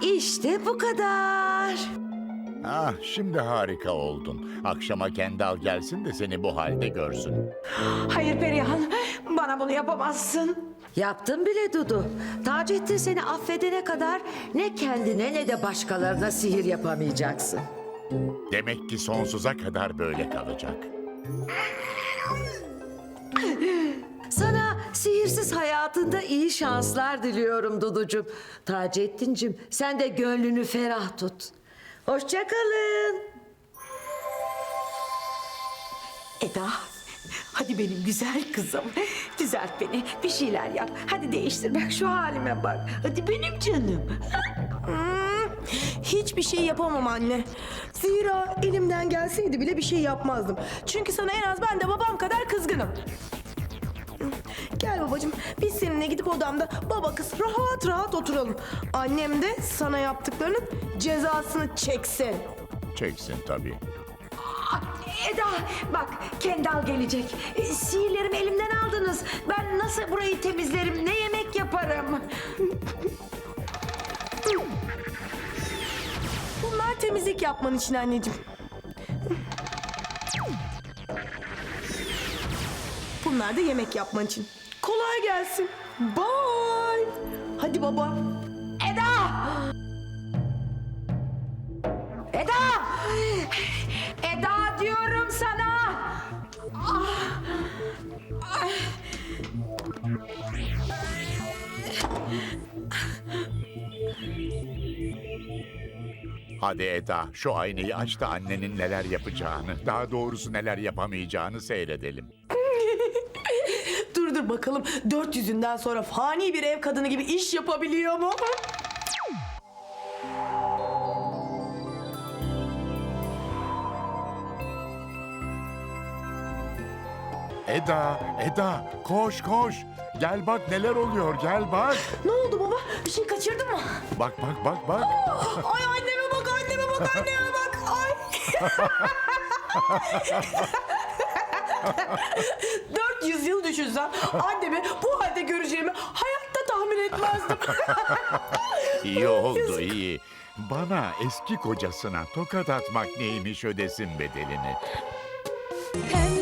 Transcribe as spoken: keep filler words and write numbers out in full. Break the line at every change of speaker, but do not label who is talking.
İşte bu kadar.
Ah, şimdi harika oldun. Akşama Kendal gelsin de seni bu halde görsün.
Hayır Perihan, bana bunu yapamazsın.
Yaptım bile Dudu. Taceddin seni affedene kadar ne kendine ne de başkalarına sihir yapamayacaksın.
Demek ki sonsuza kadar böyle kalacak.
Sana sihirsiz hayatında iyi şanslar diliyorum Duducuğum. Taceddin'cim sen de gönlünü ferah tut. Hoşça kalın.
Eda, hadi benim güzel kızım. Düzelt beni, bir şeyler yap. Hadi değiştir, bak şu halime bak. Hadi benim canım.
Hmm, hiçbir şey yapamam anne. Zira elimden gelseydi bile bir şey yapmazdım. Çünkü sana en az ben de babam kadar kızgınım. Gel babacığım, biz seninle gidip odamda baba kız rahat rahat oturalım. Annem de sana yaptıklarının cezasını çeksin.
Çeksin tabii.
Eda, bak Kendal gelecek. E, Sihirlerimi elimden aldınız. Ben nasıl burayı temizlerim, ne yemek yaparım?
Bunlar temizlik yapman için anneciğim. Bunlar da yemek yapman için. Kolay gelsin. Bye. Hadi baba.
Eda! Eda! Eda diyorum sana! Ah! Ay!
Hadi Eda, şu aynayı aç da annenin neler yapacağını, daha doğrusu neler yapamayacağını seyredelim.
Dur dur bakalım dört yüzünden sonra fani bir ev kadını gibi iş yapabiliyor mu?
Eda, Eda, koş koş. Gel bak neler oluyor, gel bak.
Ne oldu baba? Bir şey kaçırdın mı?
Bak bak bak bak.
Ay anneme bak, anneme bak, anneme bak. Ay. dört yüz yıl düşünsem annemi bu halde göreceğimi hayatta tahmin etmezdim.
İyi oldu, iyi. Bana eski kocasına tokat atmak neymiş ödesin bedelini.
Hem